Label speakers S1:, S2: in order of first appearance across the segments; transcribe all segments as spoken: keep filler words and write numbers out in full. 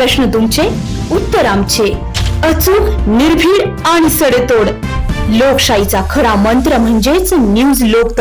S1: प्रश्न तुमचे, उत्तर आमचे. अचूक, निर्भीड आणि सडेतोड. लोकशाहीचा खरा मंत्र म्हणजेच न्यूज लोक.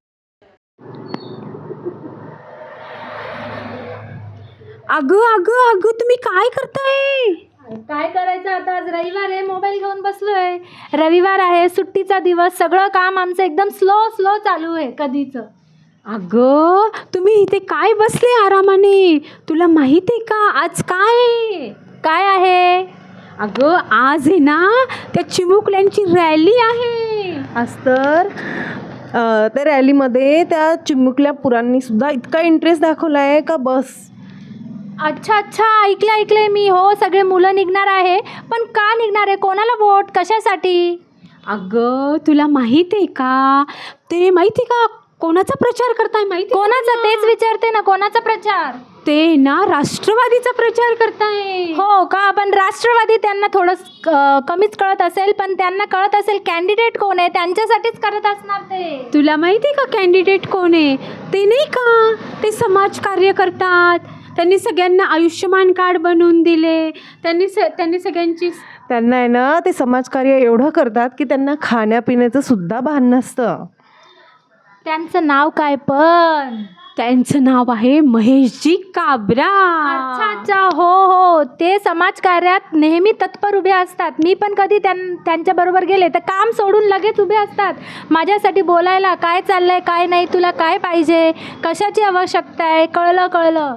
S2: अगं अगं अगं तुम्ही काय करताय?
S3: काय करायचं आता, आज रविवार आहे, मोबाईल घेऊन बसलोय. रविवार आहे, सुट्टीचा दिवस, सगळं काम आमचं एकदम स्लो स्लो चालू आहे कधीच.
S2: अगं तुम्ही इथे काय बसले आरामाने? तुला माहित आहे का आज काय
S3: काय आहे?
S2: अगं आज आहे ना त्या चिमुकल्यांची रॅली आहे.
S4: आज तर अ, त्या रॅलीमध्ये त्या चिमुकल्या पुरांनी सुद्धा इतका इंटरेस्ट दाखवला आहे का बस.
S3: अच्छा अच्छा, ऐकलं ऐकलंय मी. हो, सगळे मुलं निघणार आहे. पण का निघणार आहे? कोणाला वोट? कशासाठी?
S2: अगं तुला माहित आहे का ते माहिती का कोणाचा प्रचार करताय माहिती?
S3: कोणाचा? तेच विचारते ना, कोणाचा प्रचार?
S2: ते ना राष्ट्रवादीचा प्रचार करताय.
S3: हो का? पण राष्ट्रवादी त्यांना थोडं क- कमीच कळत असेल, पण त्यांना कळत असेल कॅन्डिडेट कोण आहे, त्यांच्यासाठीच करत असणार ते.
S2: तुला माहिती आहे का कॅन्डिडेट कोण आहे? ते नाही का ते समाजकार्य करतात. त्यांनी सगळ्यांना आयुष्यमान कार्ड बनवून दिले. त्यांनी स त्यांनी सगळ्यांची
S4: त्यांना आहे ना ते समाजकार्य एवढं करतात की त्यांना खाण्यापिण्याचं सुद्धा भान नसतं.
S3: त्यांचं नाव काय पण?
S2: त्यांचं नाव आहे महेशजी काबरा.
S3: अच्छा अच्छा, हो हो, ते समाजकार्यात नेहमी तत्पर उभे असतात. मी पण कधी त्यां त्यांच्याबरोबर गेले तर काम सोडून लगेच उभे असतात माझ्यासाठी बोलायला. काय चाललंय, काय नाही, तुला काय पाहिजे, कशाची आवश्यकता आहे, कळलं कळलं.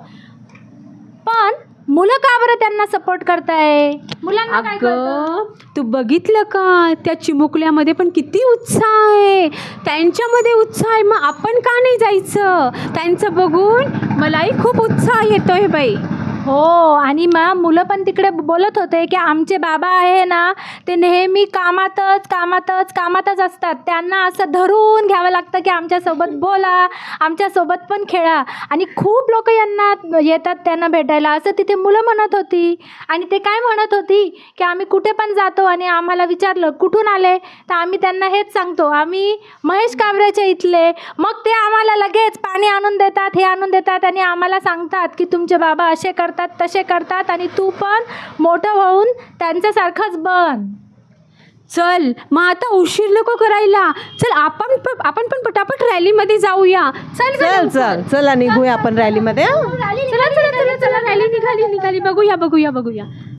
S3: पण मुलं का बरं त्यांना सपोर्ट करताय? मुलांना काय कळतं?
S2: अगं तू बघितलं का त्या चिमुकल्यामध्ये पण किती उत्साह आहे. त्यांच्यामध्ये उत्साह आहे, मग आपण का नाही जायचं? त्यांचं बघून मलाही खूप उत्साह येतोय बाई.
S3: हो, आणि मग मुलं पण तिकडे बोलत होते की आमचे बाबा आहे ना ते नेहमी कामातच कामातच कामातच असतात. त्यांना असं धरून घ्यावं लागतं की आमच्यासोबत बोला, आमच्यासोबत पण खेळा. आणि खूप लोक यांना येतात त्यांना भेटायला, असं तिथे मुलं म्हणत होती. आणि ते काय म्हणत होती की आम्ही कुठे पण जातो आणि आम्हाला विचारलं कुठून आले तर आम्ही त्यांना हेच सांगतो, आम्ही महेश काबऱ्याच्या इथले. मग ते आम्हाला लगेच पाणी आणून देतात, हे आणून देतात आणि आम्हाला सांगतात की तुमचे बाबा असे करतात तसे करतात आणि तू पण मोठं होऊन त्यांच्यासारखंच बन.
S2: चल मग आता उशीर नको करायला. चल आपण प- आपण पण पटापट रॅलीमध्ये जाऊया. चल
S4: चल चल चला निघूया आपण रॅलीमध्ये.
S2: चला चला चला चला रॅली निघाली निघाली बघूया बघूया बघूया.